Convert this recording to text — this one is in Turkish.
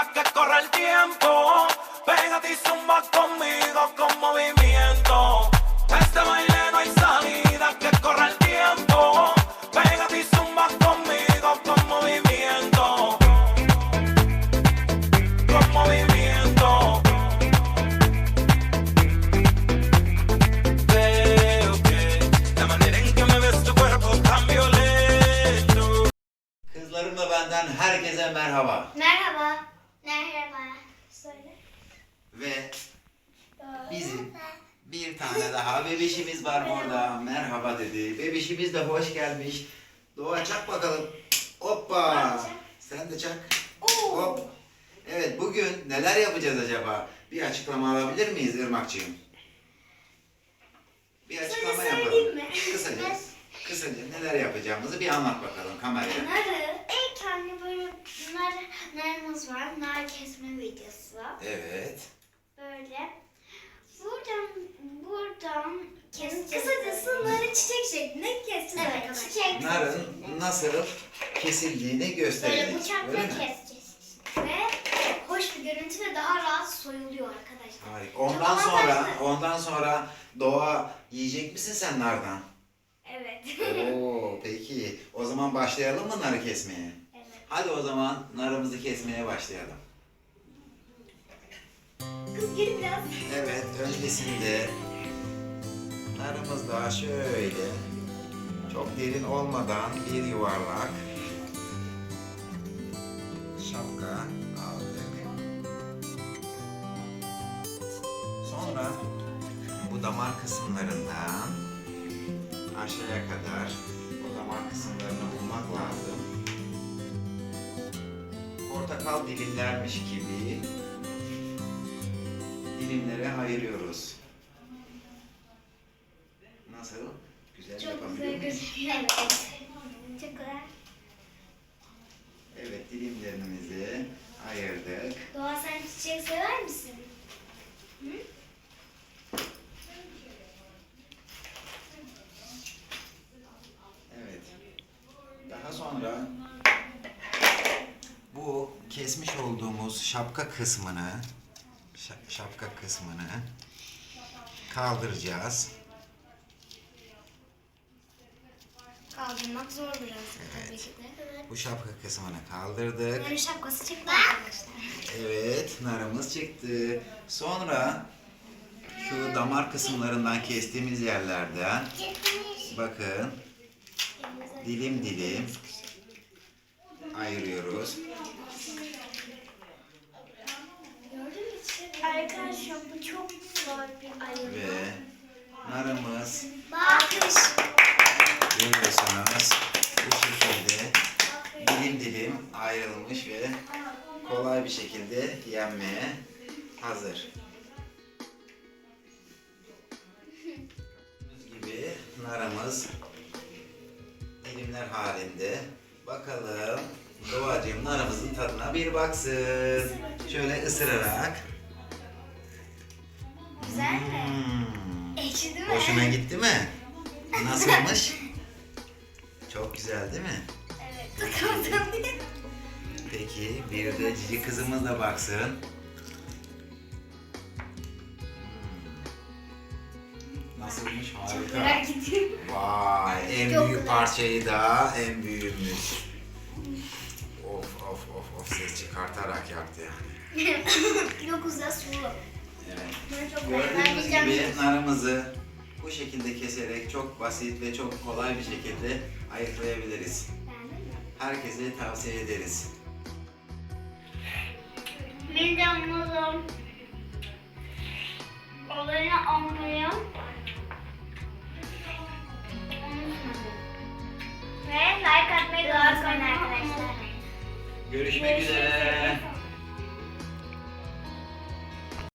salida que corre el tiempo. Pégate y zumba conmigo con movimiento. Este baile no hay salida que corre el tiempo. Pégate y zumba conmigo con movimiento. Con movimiento. Veo que la manera en que me ves tu cuerpo tan violento. Kızlarımla benden herkese merhaba. Merhaba. Merhaba. Söyle. Ve bizim bir tane daha bebişimiz var orada. Merhaba dedi. Bebişimiz de hoş gelmiş. Doğa çak bakalım. Hoppa. Sen de çak. Hop. Evet, bugün neler yapacağız acaba? Bir açıklama alabilir miyiz Irmak'cığım? Bir açıklama yapalım. söyleyeyim mi? Kısaca neler yapacağımızı bir anlat bakalım kameraya. Narı. İlk önce böyle narımız var. Nar kesme videosu. Evet. Böyle. Buradan keseceğiz. Kısacası narı çiçek şeklinde keseceğiz arkadaşlar. Çiçek. Narın nasıl kesildiğini Böyle gösterelim. bıçakla Öyle mi? keseceğiz. Ve hoş bir görüntü ve daha rahat soyuluyor arkadaşlar. Harika. Çok avantajlı. Ondan sonra Doğa yiyecek misin sen nardan? Evet. Oo, peki. O zaman başlayalım mı narı kesmeye? Evet. Hadi o zaman narımızı kesmeye başlayalım. Kız gel biraz. Evet, öncesinde narımızda şöyle çok derin olmadan bir yuvarlak şapka aldık. Sonra bu damar kısımlarından aşağıya kadar o damar kısımlarını bulmak lazım. Portakal dilimlermiş gibi dilimlere ayırıyoruz. Nasıl? Güzel Çok yapabiliyor güzel muyuz? gözüküyor. Evet. Çok güzel. Evet, dilimlerimizi ayırdık. Doğa sen çiçek sever misin? Hı? Evet. Daha sonra bu kesmiş olduğumuz şapka kısmını kaldıracağız. Kaldırmak zor biraz Evet. tabii ki de. Bu şapka kısmını kaldırdık. Narın şapkası çıktı arkadaşlar. Evet, narımız çıktı. Sonra şu damar kısımlarından kestiğimiz yerlerden bakın dilim dilim ayırıyoruz. Arkadaşlar bu çok zor bir ayırma. Ve narımız Bakış. görüyorsunuz bu şekilde dilim dilim ayrılmış ve kolay bir şekilde yenmeye hazır. Gördüğünüz gibi narımız dilimler halinde. Bakalım Doğacığım narımızın tadına bir baksın. Şöyle ısırarak. Güzel mi? Ekşi değil mi? Hoşuna gitti mi? Nasılmış? Çok güzel değil mi? Evet. Tıkamadım. Peki bir de cici kızımız da baksın. Nasılmış? Harika. Merak ediyorum. Vay, en Çok büyük güzel. parçayı da en büyüğümüz. Of ses çıkartarak yaptı yani. Çok güzel sulu. Evet. Ben çok Gördüğünüz beğendim. gibi narımızı bu şekilde keserek çok basit ve çok kolay bir şekilde ayıklayabiliriz. Beğendin mi? Herkese tavsiye ederiz. Bir de anladım. Olayını anlayayım. Ve like atmayı da unutmayın arkadaşlar. Görüşmek üzere.